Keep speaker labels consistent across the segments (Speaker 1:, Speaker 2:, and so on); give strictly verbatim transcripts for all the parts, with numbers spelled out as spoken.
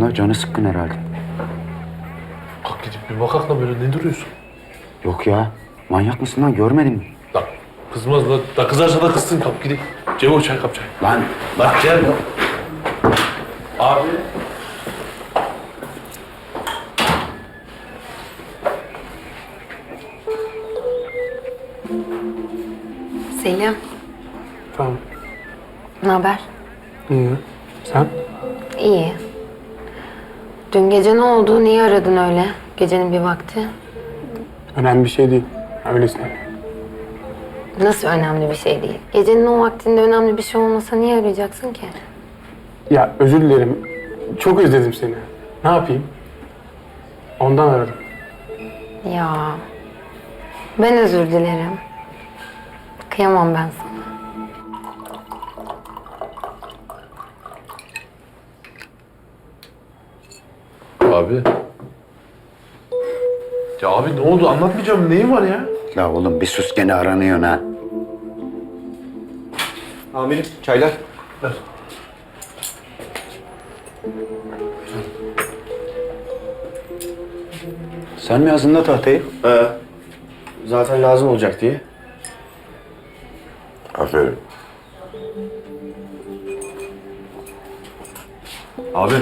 Speaker 1: la? Canı sıkkın herhalde.
Speaker 2: Kalk gidip bir bakak da böyle ne duruyorsun?
Speaker 1: Yok ya. Manyak mısın lan? Görmedin mi?
Speaker 2: Lan kızmaz da, da kızarsa da kızsın, kalk gidelim. Cevo çay kap çay.
Speaker 1: Lan
Speaker 2: Lan gel. Abi.
Speaker 3: Selim,
Speaker 4: Tamam.
Speaker 3: ne haber?
Speaker 4: İyi. Sen?
Speaker 3: İyi. Dün gece ne oldu? Niye aradın öyle? Gecenin bir vakti.
Speaker 4: Önemli bir şey değil. Öylesine.
Speaker 3: Nasıl önemli bir şey değil? Gecenin o vaktinde önemli bir şey olmasa niye arayacaksın ki?
Speaker 4: Ya özür dilerim. Çok özledim seni. Ne yapayım? Ondan aradım.
Speaker 3: Ya, ben özür dilerim. Kıyamam ben sana.
Speaker 2: Abi. Ya abi ne oldu? Anlatmayacağım. Neyin var ya?
Speaker 1: la oğlum bir sus, gene aranıyorsun ha.
Speaker 5: Amirim, çaylar.
Speaker 2: Ver.
Speaker 1: Sen mi yazdın la tahtayı?
Speaker 5: Ee, zaten lazım olacak diye.
Speaker 6: Aferin.
Speaker 5: Abi.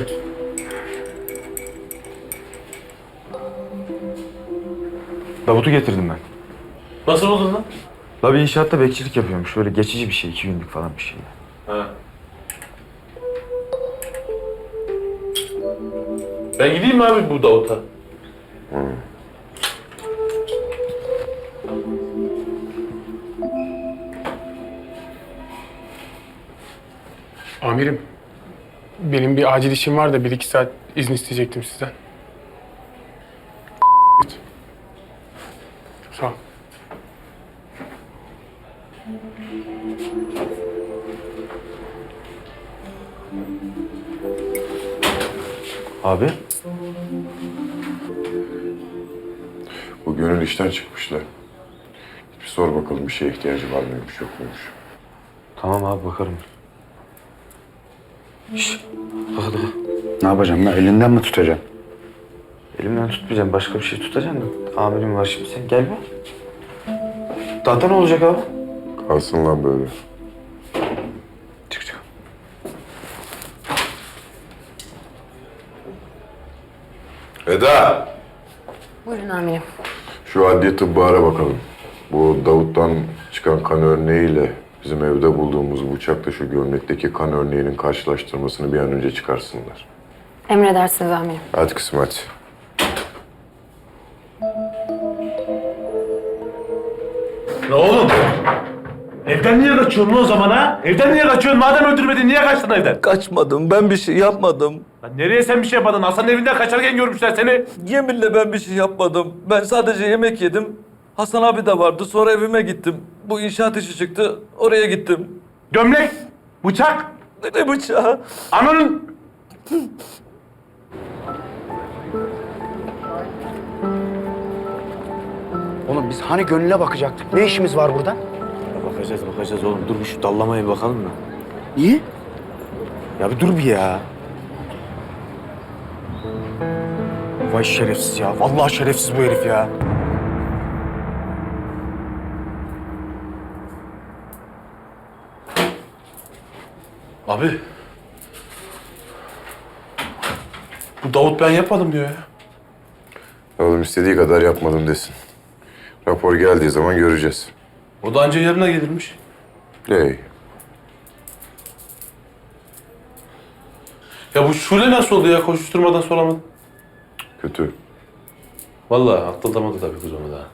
Speaker 5: Davut'u getirdim ben.
Speaker 2: Nasıl oldun lan?
Speaker 5: La bir inşaatta bekçilik yapıyormuş. Böyle geçici bir şey, iki günlük falan bir şey.
Speaker 2: Ha. Ben gideyim mi abi bu Davut'a?
Speaker 4: Amirim. Benim bir acil işim var da bir iki saat izin isteyecektim sizden. Sağ ol.
Speaker 5: Abi.
Speaker 6: Bu gönül işten çıkmışlar. Bir sor bakalım bir şeye ihtiyacı var mıymış yok muymuş.
Speaker 5: Tamam abi, bakarım.
Speaker 2: Hadi.
Speaker 1: Ne yapacaksın la? Elinden mi tutacaksın?
Speaker 5: Elimden tutmayacağım, başka bir şey tutacağım da. Amirim var şimdi, sen gel be. Tahta ne olacak abi?
Speaker 6: Kalsın lan böyle.
Speaker 5: Çık çık.
Speaker 6: Eda!
Speaker 3: Buyurun amirim.
Speaker 6: Şu adliye tıbbı ara bakalım. Bu Davut'tan çıkan kan örneğiyle bizim evde bulduğumuz bıçakla şu gömlekteki kan örneğinin karşılaştırmasını bir an önce çıkarsınlar.
Speaker 3: Emredersiniz amirim.
Speaker 6: Hadi kızım hadi.
Speaker 2: Ne oğlum? Evden niye kaçıyorsun o zaman ha? Evden niye kaçıyorsun? Madem öldürmedin niye kaçtın evden?
Speaker 7: Kaçmadım. Ben bir şey yapmadım.
Speaker 2: Lan nereye sen bir şey yapmadın? Hasan'ın evinden kaçarken görmüşler seni.
Speaker 7: Yeminle ben bir şey yapmadım. Ben sadece yemek yedim. Hasan abi de vardı. Sonra evime gittim. Bu inşaat işi çıktı. Oraya gittim.
Speaker 2: Gömlek, bıçak,
Speaker 7: Ne bıçağı?
Speaker 2: ananın...
Speaker 1: Oğlum biz hani gönüle bakacaktık? Ne işimiz var burada?
Speaker 5: Bakacağız bakacağız oğlum. Dur bir şu dallamaya bir bakalım da.
Speaker 1: Niye?
Speaker 5: Ya bir dur bir ya. Vay şerefsiz ya. Vallahi şerefsiz bu herif ya.
Speaker 2: Abi. Bu Davut ben yapmadım diyor ya.
Speaker 6: Oğlum istediği kadar yapmadım desin. Rapor geldiği zaman göreceğiz.
Speaker 2: O da anca yarına gelirmiş.
Speaker 6: Hey.
Speaker 2: Ya bu Şule nasıl oldu ya? Koşuşturmadan soramadım.
Speaker 6: Kötü.
Speaker 2: Vallahi atlatamadı tabii kız onu da.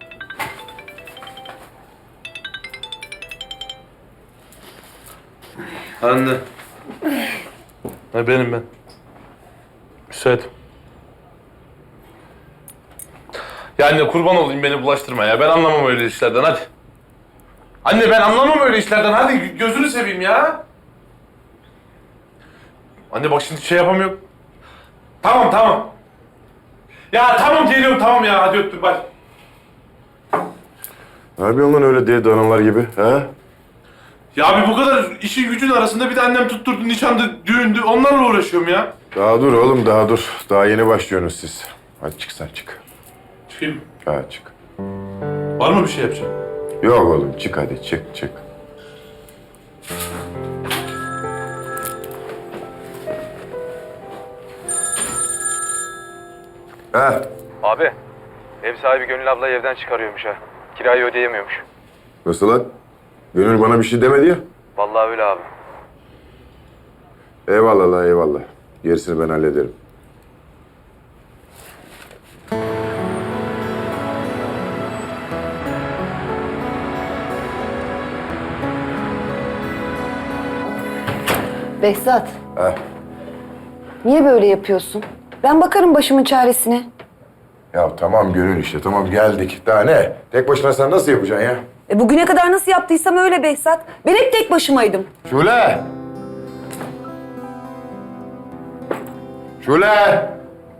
Speaker 2: Anne. Ha benim ben. Müsait. Ya anne kurban olayım beni bulaştırma ya. Ben anlamam öyle işlerden hadi. Anne ben anlamam öyle işlerden hadi gözünü seveyim ya. Anne bak şimdi şey yapamıyorum. Tamam tamam. Ya tamam geliyorum tamam ya hadi öptüm bak.
Speaker 6: Ne yapıyorsun lan öyle deli danalar gibi ha?
Speaker 2: Ya abi bu kadar işin gücün arasında bir de annem tutturdu nişandı, düğündü onlarla uğraşıyorum ya.
Speaker 6: Daha dur oğlum, daha dur. Daha yeni başlıyorsunuz siz. Hadi çık sen çık.
Speaker 2: Çıkayım mı?
Speaker 6: Ha çık.
Speaker 2: Var mı bir şey yapacağım?
Speaker 6: Yok oğlum, çık hadi, çık çık. Ha,
Speaker 5: Abi, ev sahibi Gönül ablayı evden çıkarıyormuş ha. Kirayı ödeyemiyormuş.
Speaker 6: nasıl lan? Gönül bana bir şey demedi ya.
Speaker 5: Vallahi öyle abi.
Speaker 6: Eyvallah la, eyvallah. Gerisini ben hallederim.
Speaker 8: Behzat,
Speaker 6: Ha.
Speaker 8: niye böyle yapıyorsun? Ben bakarım başımın çaresine.
Speaker 6: Ya tamam Gönül işte, tamam geldik. Daha ne? Tek başına sen nasıl yapacaksın ya?
Speaker 8: E bugüne kadar nasıl yaptıysam öyle Behzat. Ben hep tek başımaydım.
Speaker 6: Şule! Şule!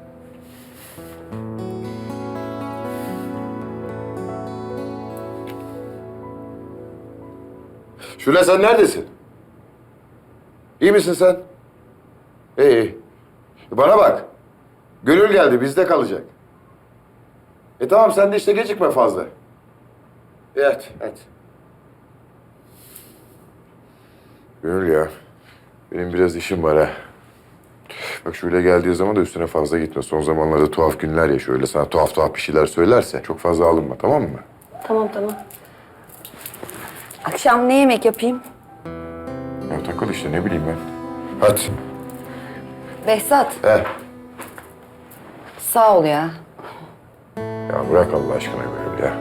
Speaker 6: Şule sen neredesin? İyi misin sen? İyi, iyi. Bana bak. Gönül geldi, bizde kalacak. E tamam, sen de işte gecikme fazla. Evet, evet. Gönül ya, benim biraz işim var ha. Bak şöyle geldiği zaman da üstüne fazla gitme. Son zamanlarda tuhaf günler ya, şöyle sana tuhaf tuhaf bir şeyler söylerse çok fazla alınma, tamam mı?
Speaker 8: Tamam tamam. Akşam ne yemek yapayım?
Speaker 6: Ya takıl işte, ne bileyim ben. Hadi.
Speaker 8: Behzat,
Speaker 6: He.
Speaker 8: sağ ol ya.
Speaker 6: Ya bırak Allah aşkına Gönül ya.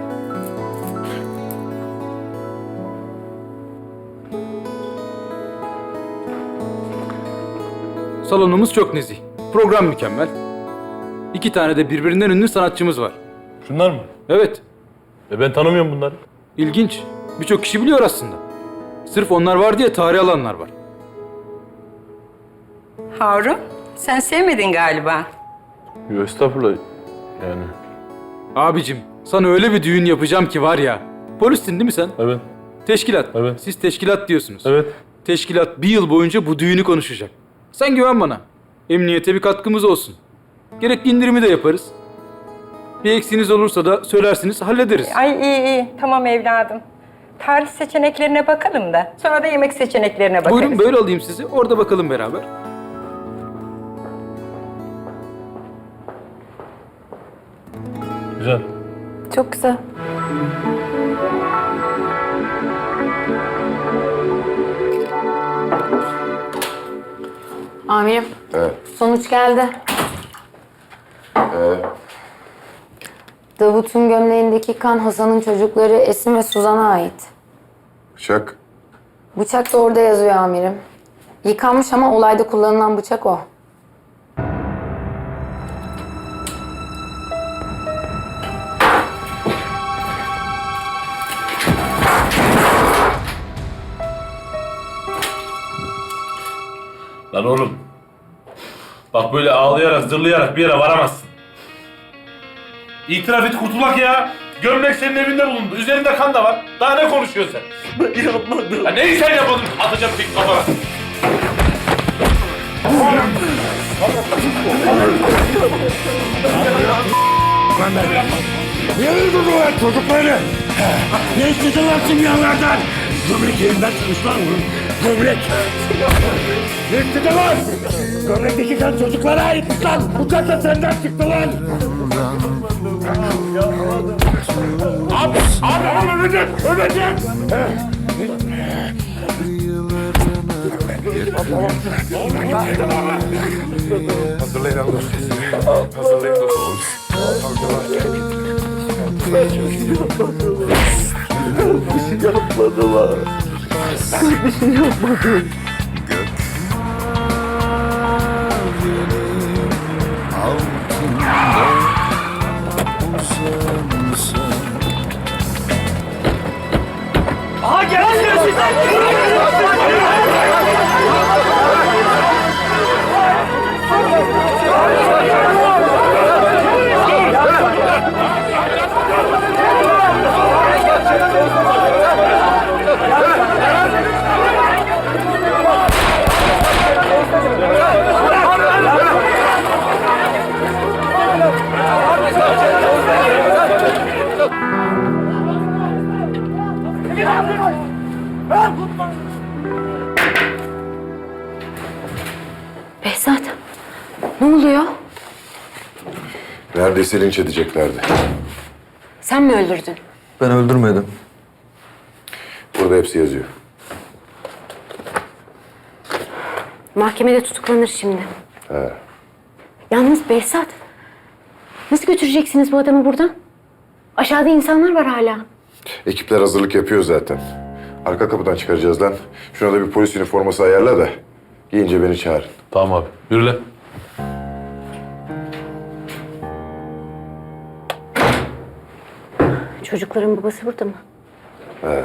Speaker 9: Salonumuz çok nezih. Program mükemmel. İki tane de birbirinden ünlü sanatçımız var.
Speaker 2: Şunlar mı?
Speaker 9: Evet,
Speaker 2: E ben tanımıyorum bunları.
Speaker 9: ilginç. Birçok kişi biliyor aslında. Sırf onlar var diye tarih alanlar var.
Speaker 10: Harun, sen sevmedin galiba.
Speaker 2: Yok estağfurullah. Yani.
Speaker 9: Abicim, sana öyle bir düğün yapacağım ki var ya. Polissin değil mi sen?
Speaker 2: Evet.
Speaker 9: Teşkilat.
Speaker 2: Evet.
Speaker 9: Siz teşkilat diyorsunuz.
Speaker 2: Evet.
Speaker 9: Teşkilat bir yıl boyunca bu düğünü konuşacak. Sen güven bana. Emniyete bir katkımız olsun. Gerekli indirimi de yaparız. Bir eksiğiniz olursa da söylersiniz, hallederiz.
Speaker 10: Ay iyi iyi, tamam evladım. Tarih seçeneklerine bakalım da sonra da yemek seçeneklerine bakarız.
Speaker 9: Buyurun böyle alayım sizi. Orada bakalım beraber.
Speaker 2: Güzel.
Speaker 8: Çok güzel.
Speaker 3: Amirim,
Speaker 6: Evet.
Speaker 3: sonuç geldi.
Speaker 6: Ee,
Speaker 3: Davut'un gömleğindeki kan Hasan'ın çocukları Esin ve Suzan'a ait.
Speaker 6: bıçak.
Speaker 3: Bıçak da orada yazıyor amirim. Yıkanmış ama olayda kullanılan bıçak o.
Speaker 2: Lan oğlum. Bak böyle ağlayarak, zırlayarak bir yere varamazsın. İtiraf et kurtulak ya. Gömlek senin evinde bulundu. Üzerinde kan da var. Daha ne konuşuyorsun sen? Ben yapmadım. Ya neyi sen yapmadın? Atacağım tek kafana.
Speaker 11: Niye durdular çocukları? Ne istediler simyalardan? Gömlek yerinden çıkmış lan bunun. Gömlek. Ne istediler? Gömlekteki kan çocuklara aitmiş lan. Bu kan da senden çıktı lan. Abi, abi, abi ölecek, ölecek.
Speaker 6: Hazırlayın alın sesini. Hazırlayın dostum.
Speaker 11: Aha geliyor sizden.
Speaker 8: Behzat, ne oluyor?
Speaker 6: Neredeyse linç edeceklerdi.
Speaker 8: Sen mi öldürdün?
Speaker 7: Ben öldürmedim.
Speaker 6: Burada hepsi yazıyor.
Speaker 8: Mahkemede tutuklanır şimdi.
Speaker 6: He.
Speaker 8: Yalnız Behzat, nasıl götüreceksiniz bu adamı buradan? Aşağıda insanlar var hala.
Speaker 6: Ekipler hazırlık yapıyor zaten. Arka kapıdan çıkaracağız lan. Şuna da bir polis üniforması ayarla da giyince beni çağırın.
Speaker 2: Tamam abi. Yürü lan.
Speaker 8: Çocukların babası burada mı?
Speaker 6: He.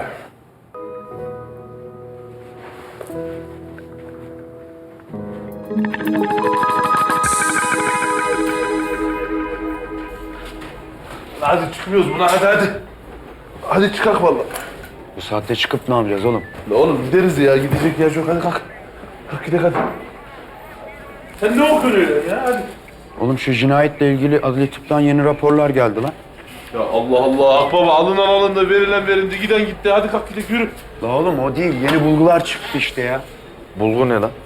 Speaker 2: Hadi çıkmıyoruz buna hadi hadi. Hadi çıkak vallahi.
Speaker 1: Bu saatte çıkıp ne yapacağız oğlum?
Speaker 2: La oğlum gideriz ya. Gidecek yer yok. Hadi kalk. Kalk gidelim hadi. Sen ne okuyorsun öyle ya? Hadi.
Speaker 1: Oğlum şu cinayetle ilgili adli tıptan yeni raporlar geldi lan.
Speaker 2: Ya Allah Allah. Akbaba alınan alındı, verilen verildi, giden gitti. Hadi kalk gidelim yürü.
Speaker 1: La oğlum o değil. Yeni bulgular çıktı işte ya.
Speaker 5: Bulgu ne lan?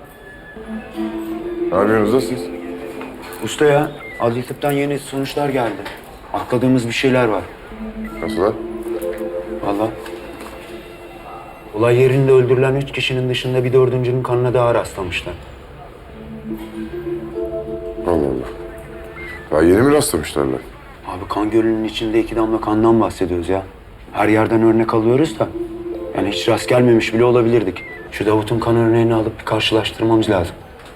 Speaker 6: Ne yapıyorsunuz da siz?
Speaker 1: Usta ya, adli tıptan yeni sonuçlar geldi. Atladığımız bir şeyler var.
Speaker 6: Nasıl lan?
Speaker 1: Vallahi. Olay yerinde öldürülen üç kişinin dışında bir dördüncünün kanına daha rastlamışlar.
Speaker 6: Allah Allah. Daha yeni mi rastlamışlar lan?
Speaker 1: Abi kan gölünün içinde iki damla kandan bahsediyoruz ya. Her yerden örnek alıyoruz da. Yani hiç rast gelmemiş bile olabilirdik. Şu Davut'un kan örneğini alıp bir karşılaştırmamız lazım.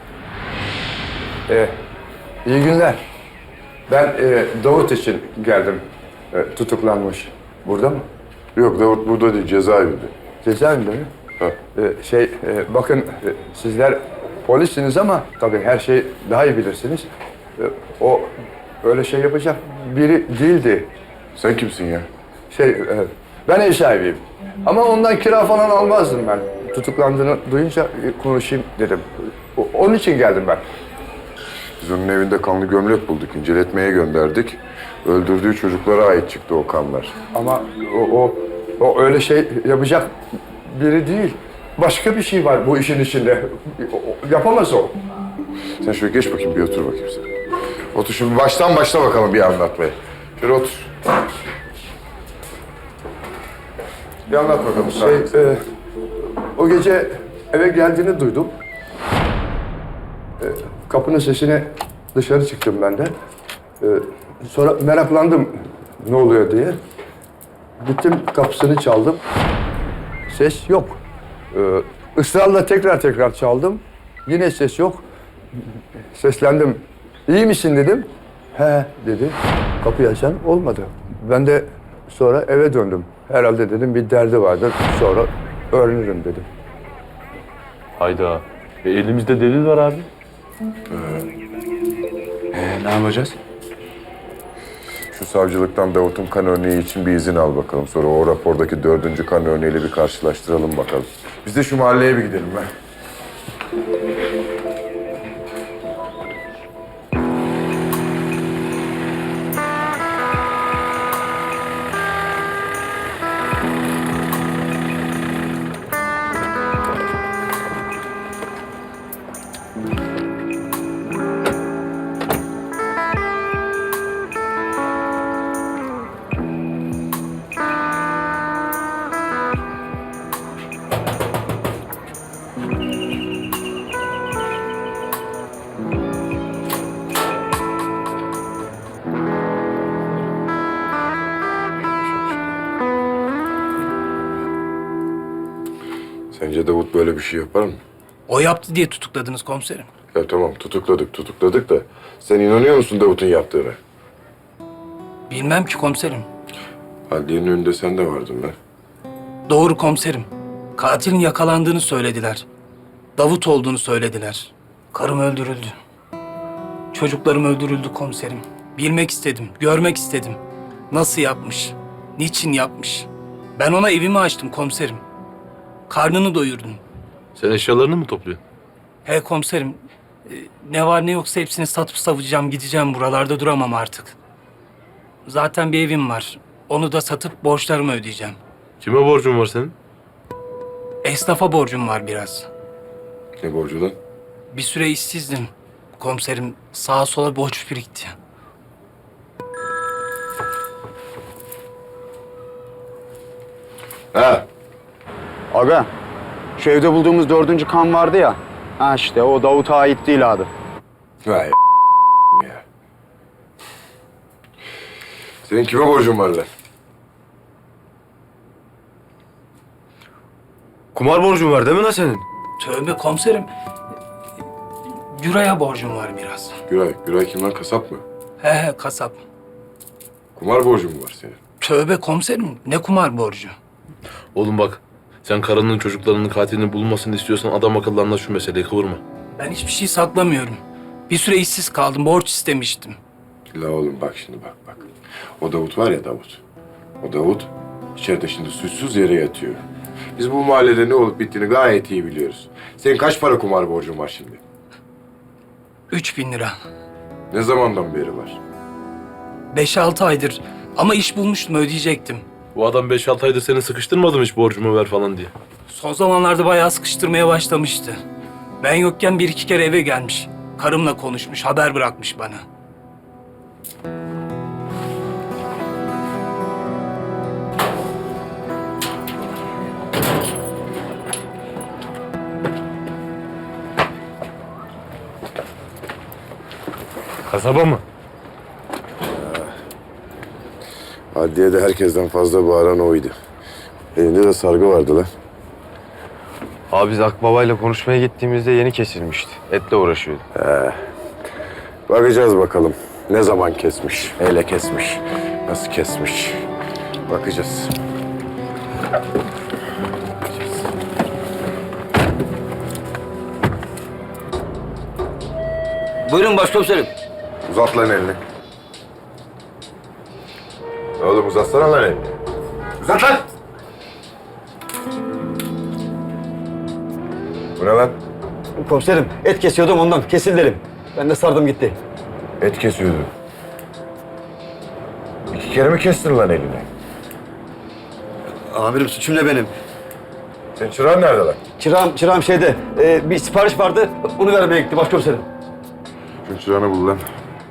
Speaker 12: Ee, iyi günler. Ben e, Davut için geldim. E, tutuklanmış. Burada mı?
Speaker 6: Yok Davut burada değil, cezaevinde.
Speaker 12: Cezaevinde mi?
Speaker 6: Ha.
Speaker 12: E, şey, e, bakın e, sizler polissiniz ama tabii her şeyi daha iyi bilirsiniz. E, o öyle şey yapacak biri değildi.
Speaker 6: Sen kimsin ya?
Speaker 12: Şey, e, ben ev sahibiyim. Ama ondan kira falan almazdım ben. Tutuklandığını duyunca e, konuşayım dedim. O, onun için geldim ben.
Speaker 6: Biz onun evinde kanlı gömlek bulduk, inceletmeye gönderdik. Öldürdüğü çocuklara ait çıktı o kanlar.
Speaker 12: Ama o, o, o öyle şey yapacak biri değil. Başka bir şey var bu işin içinde. O- o- Yapamaz o.
Speaker 6: Sen şöyle geç bakayım, bir otur bakayım sen. Otur şimdi, baştan başla bakalım bir anlatmaya. Şöyle otur. Bir anlat bakalım.
Speaker 12: Şey, e, o gece eve geldiğini duydum. E, kapının sesine dışarı çıktım ben de. E, sonra meraklandım ne oluyor diye. Gittim kapısını çaldım. Ses yok. E, ısrarla tekrar tekrar çaldım. Yine ses yok. Seslendim. İyi misin dedim. He dedi. Kapıyı açan olmadı. Ben de sonra eve döndüm. Herhalde dedim bir derdi vardır. Sonra öğrenirim dedim.
Speaker 2: Hayda. E, elimizde delil var abi.
Speaker 1: Ee, ne yapacağız?
Speaker 6: Şu savcılıktan Davut'un kan örneği için bir izin al bakalım. Sonra o rapordaki dördüncü kan örneğiyle bir karşılaştıralım bakalım. Biz de şu mahalleye bir gidelim be. Sence Davut böyle bir şey yapar mı?
Speaker 11: O yaptı diye tutukladınız komiserim.
Speaker 6: Ya tamam, tutukladık tutukladık da sen inanıyor musun Davut'un yaptığına?
Speaker 11: Bilmem ki komiserim.
Speaker 6: Adliyenin önünde sen de vardın be.
Speaker 11: Doğru komiserim. Katilin yakalandığını söylediler. Davut olduğunu söylediler. Karım öldürüldü. Çocuklarım öldürüldü komiserim. Bilmek istedim, görmek istedim. Nasıl yapmış? Niçin yapmış? Ben ona evimi açtım komiserim. Karnını doyurdum.
Speaker 2: Sen eşyalarını mı topluyorsun?
Speaker 11: He komiserim. e, Ne var ne yoksa hepsini satıp savacağım, gideceğim. Buralarda duramam artık.
Speaker 13: Zaten bir evim var. Onu da satıp borçlarımı ödeyeceğim.
Speaker 2: Kime borcun var senin?
Speaker 13: Esnafa borcum var biraz.
Speaker 6: Ne borcu lan?
Speaker 13: Bir süre işsizdim. Komiserim sağa sola borç birikti.
Speaker 6: Ha,
Speaker 1: Aga, şu evde bulduğumuz dördüncü kan vardı ya. Ha işte o Davut'a ait değil abi.
Speaker 6: vay ya. Senin kime borcun var lan?
Speaker 5: Kumar borcun var değil mi lan senin?
Speaker 13: Tövbe komiserim. Güray'a borcum var biraz.
Speaker 6: Güray, Güray kim lan? Kasap mı?
Speaker 13: He he kasap.
Speaker 6: Kumar borcun mu var senin?
Speaker 13: Tövbe komiserim. Ne kumar borcu?
Speaker 2: Oğlum bak, sen karının çocuklarının katilini bulmasını istiyorsan adam akıllı anla şu meseleyi, kıvırma.
Speaker 13: Ben hiçbir şey saklamıyorum. Bir süre işsiz kaldım. Borç istemiştim.
Speaker 6: La oğlum bak şimdi bak bak. O Davut var ya Davut. O Davut içeride şimdi suçsuz yere yatıyor. Biz bu mahallede ne olup bittiğini gayet iyi biliyoruz. Senin kaç para kumar borcun var şimdi?
Speaker 13: Üç bin lira.
Speaker 6: Ne zamandan beri var?
Speaker 13: Beş altı aydır. Ama iş bulmuştum, ödeyecektim.
Speaker 2: Bu adam beş altı aydır seni sıkıştırmadı mı hiç borcumu ver falan diye?
Speaker 13: Son zamanlarda bayağı sıkıştırmaya başlamıştı. Ben yokken bir iki kere eve gelmiş. Karımla konuşmuş, haber bırakmış bana.
Speaker 2: Kasaba mı?
Speaker 6: Adliyede herkesten fazla bağıran oydu. Elinde de sargı vardı lan.
Speaker 5: Abi biz Akbaba'yla konuşmaya gittiğimizde yeni kesilmişti. Etle uğraşıyordu.
Speaker 6: He. Bakacağız bakalım. Ne zaman kesmiş, neyle kesmiş, nasıl kesmiş. Bakacağız.
Speaker 5: Buyurun başkomiserim.
Speaker 6: Uzat lan elini. Oğlum uzatsana lan elini. Uzat lan! Bu ne lan?
Speaker 5: Komiserim et kesiyordum ondan. Kesil derim. Ben de sardım gitti.
Speaker 6: Et kesiyordun. İki kere mi kestin lan elini?
Speaker 5: Amirim suçum ne benim?
Speaker 6: Senin çırağın nerede lan?
Speaker 5: Çırağım, çırağım şeyde. e, bir sipariş vardı. Onu vermeye gitti başkomiserim.
Speaker 6: Şu çırağını bul lan.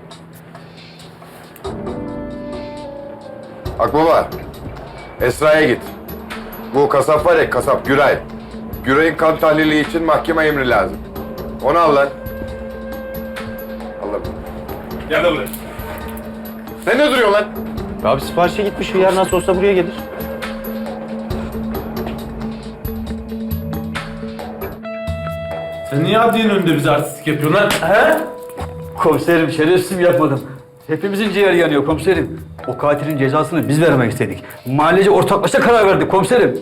Speaker 6: Akbaba, Esra'ya git. Bu kasap var ya, kasap Güray. Güray'ın kan tahlili için mahkeme emri lazım. Onu al lan. Allah'ım.
Speaker 2: Gel de buraya.
Speaker 6: Sen ne duruyorsun lan?
Speaker 5: Abi siparişe gitmiş. Yarın nasıl olsa buraya gelir.
Speaker 2: Sen niye adliyenin önünde bize artistlik yapıyorsun lan? He?
Speaker 5: Komiserim şerefsizim yapmadım. Hepimizin ciğeri yanıyor komiserim. O katilin cezasını biz vermek istedik. Mahallece ortaklaşa karar verdik komiserim.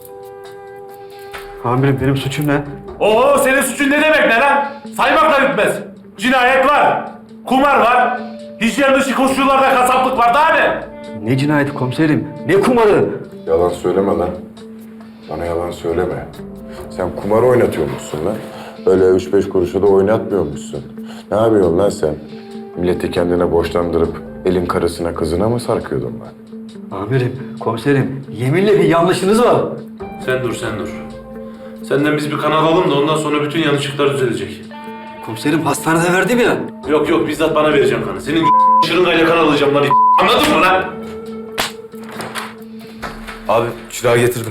Speaker 5: Amirim benim suçum ne?
Speaker 2: Oo, senin suçun ne demek ne lan? Saymakla bitmez. Cinayet var, kumar var, hijyen dışı koşullarda kasaplık var, daha ne?
Speaker 5: Ne cinayeti komiserim? Ne kumarı?
Speaker 6: Yalan söyleme lan. Bana yalan söyleme. Sen kumar oynatıyormuşsun lan. Öyle üç beş kuruşa da oynatmıyormuşsun. Ne yapıyorsun lan sen? Milleti kendine borçlandırıp elin karısına kızına mı sarkıyordun lan?
Speaker 5: Amirim, komiserim yeminle bir yanlışınız var.
Speaker 2: Sen dur, sen dur. Senden biz bir kan alalım da ondan sonra bütün yanlışlıklar düzelecek.
Speaker 5: Komiserim hastanede verdim ya.
Speaker 2: Yok yok, bizzat bana vereceksin kanı. Senin şırıngayla kan alacağım lan. Anladın mı lan?
Speaker 5: Abi çırağı getirdim.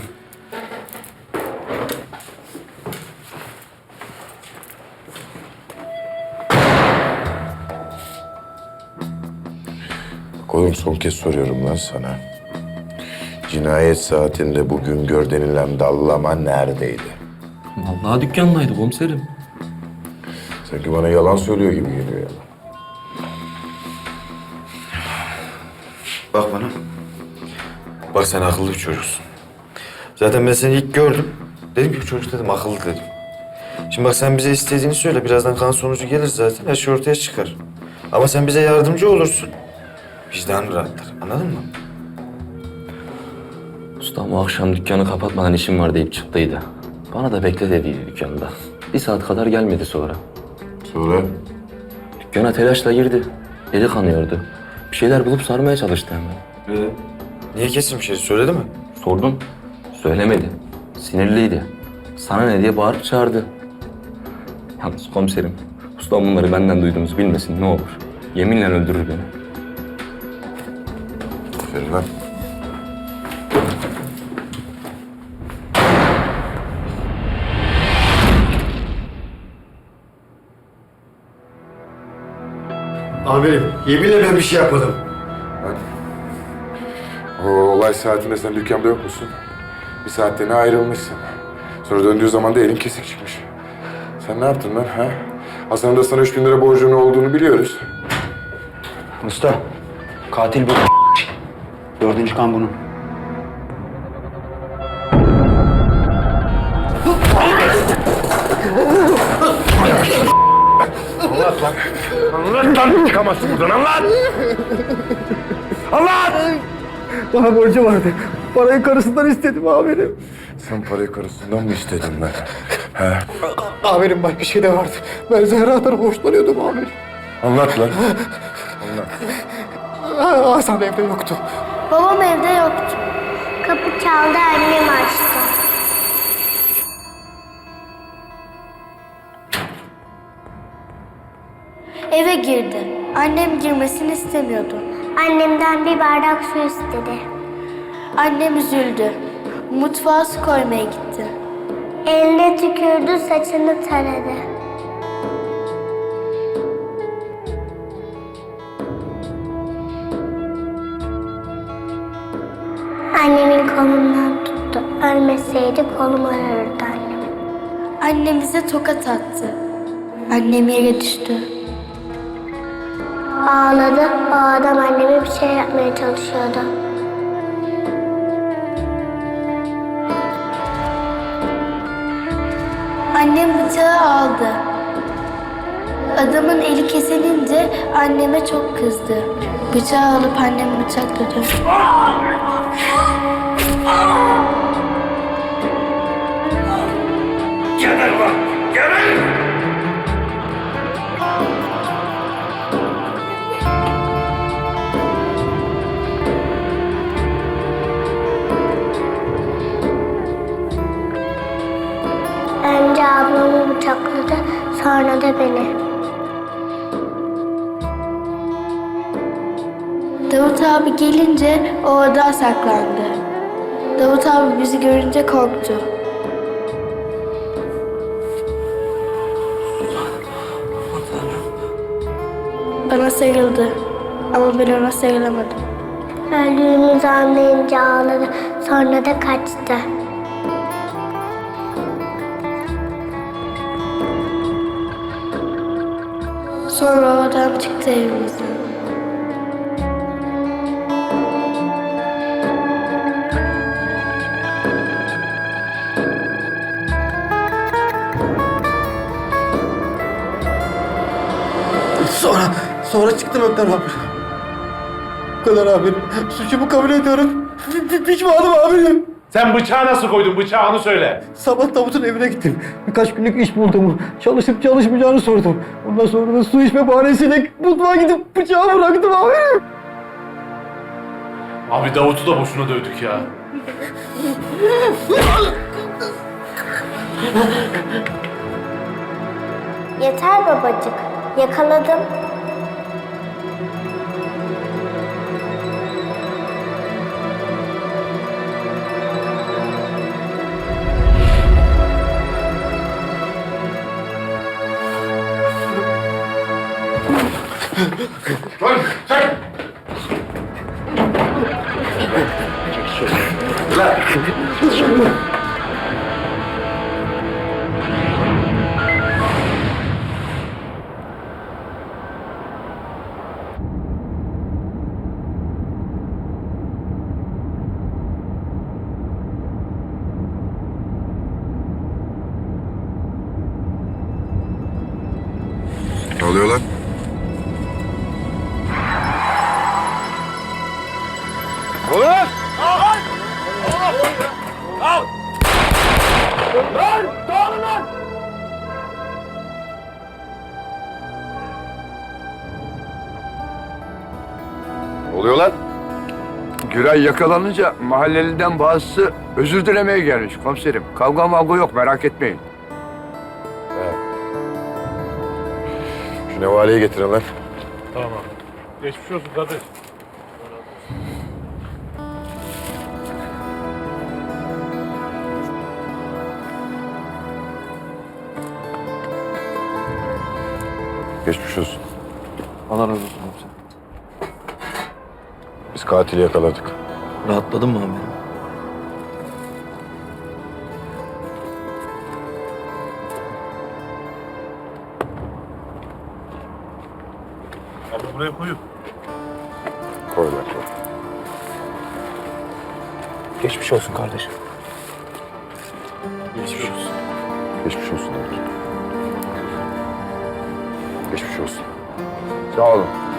Speaker 6: Oğlum son kez soruyorum lan sana. Cinayet saatinde bugün gör denilen dallama neredeydi?
Speaker 7: Vallahi dükkandaydı komiserim.
Speaker 6: Sanki bana yalan söylüyor gibi geliyor ya.
Speaker 5: Bak bana. Bak sen akıllı bir çocuksun. Zaten ben seni ilk gördüm. Dedim ki bu çocuk dedim akıllı dedim. Şimdi bak sen bize istediğini söyle. Birazdan kan sonucu gelir zaten. Her şey ortaya çıkar. Ama sen bize yardımcı olursun. Vicdanın rahatlar. Anladın mı?
Speaker 14: Ustam o akşam dükkanı kapatmadan işim var deyip çıktıydı. Bana da bekle dediydi dükkanda. Bir saat kadar gelmedi sonra.
Speaker 6: Sonra?
Speaker 14: Dükkana telaşla girdi. Eli kanıyordu. Bir şeyler bulup sarmaya çalıştı hemen.
Speaker 5: Ee, niye kesin bir şey söyledi mi?
Speaker 14: Sordum. Söylemedi. Sinirliydi. Sana ne diye bağırıp çağırdı. Yalnız komiserim, ustam bunları benden duyduğunuzu bilmesin ne olur. Yeminle öldürür beni.
Speaker 6: Aferin lan.
Speaker 12: Amirim, yeminle ben bir şey yapmadım.
Speaker 6: O olay saatinde sen dükkanda yok musun? Bir saatliğine ayrılmışsın. Sonra döndüğü zaman da elin kesik çıkmış. Sen ne yaptın lan ha? Hasan'ın da sana üç bin lira borcunun olduğunu biliyoruz.
Speaker 1: Usta, katil bu. Dördüncü kan bunun.
Speaker 11: Anlat lan. Anlat lan. Çıkamazsın buradan. Anlat. Anlat.
Speaker 12: Bana borcu vardı. Parayı karısından istedim amirim.
Speaker 6: Sen parayı karısından mı istedin lan? He?
Speaker 12: Amirim bak bir şey de vardı. Ben Zehra'dan hoşlanıyordum amirim.
Speaker 6: Anlat lan. Anlat.
Speaker 12: Hasan evde yoktu.
Speaker 15: Babam evde yoktu. Kapı çaldı, annem açtı. Eve girdi. Annem girmesini istemiyordu. Annemden bir bardak su istedi. Annem üzüldü. Mutfağa su koymaya gitti. Eline tükürdü, saçını taradı. Annemin kolundan tuttu. Ölmeseydi kolum ağrırdı annem. Annem bize tokat attı. Annem yere düştü. Ağladı. O adam anneme bir şey yapmaya çalışıyordu. Annem bıçağı aldı. Adamın eli kesilince anneme çok kızdı. Bıçağı alıp annemi bıçakladı.
Speaker 11: Geber lan. Geber.
Speaker 15: Önce ablamı bıçakladı, sonra da beni. Davut abi gelince o oda saklandı. Davut abi bizi görünce korktu. Bana sarıldı ama ben ona sarılamadım. Öldüğümüzü anlayınca ağladı, sonra da kaçtı. Sonra o adam çıktı evimizden.
Speaker 12: Sonra, sonra çıktım Ökten abi. Bu kadar amirim. Suçumu kabul ediyorum. P- p- Pişmanım amirim.
Speaker 2: Sen bıçağı nasıl koydun? Bıçağı onu söyle.
Speaker 12: Sabah Davut'un evine gittim. Birkaç günlük iş bulduğumu, çalışıp çalışmayacağını sordum. Ondan sonra da su içme bahanesiyle mutfağa gidip bıçağı bıraktım amirim.
Speaker 2: Abi Davut'u da boşuna dövdük ya.
Speaker 15: Yeter babacık. Yakaladım.
Speaker 11: Lan sen! Lan!
Speaker 6: Ne oluyor lan?
Speaker 11: Oğlum! Al! Al! Lan! Dağılın lan!
Speaker 12: Tülay yakalanınca mahalleliden bazısı özür dilemeye gelmiş komiserim. Kavga mavga yok, merak etmeyin.
Speaker 6: Şu nevaleyi getirin lan.
Speaker 2: Tamam abi. Geçmiş olsun kardeş.
Speaker 6: Geçmiş olsun.
Speaker 5: Allah razı olsun komiserim.
Speaker 6: Biz katili yakaladık.
Speaker 5: Rahatladın mı amirim?
Speaker 2: Abi buraya koyun.
Speaker 6: Koy lan koy.
Speaker 1: Geçmiş olsun kardeşim.
Speaker 6: Geçmiş olsun. Geçmiş olsun. Geçmiş olsun.
Speaker 12: Sağ olun.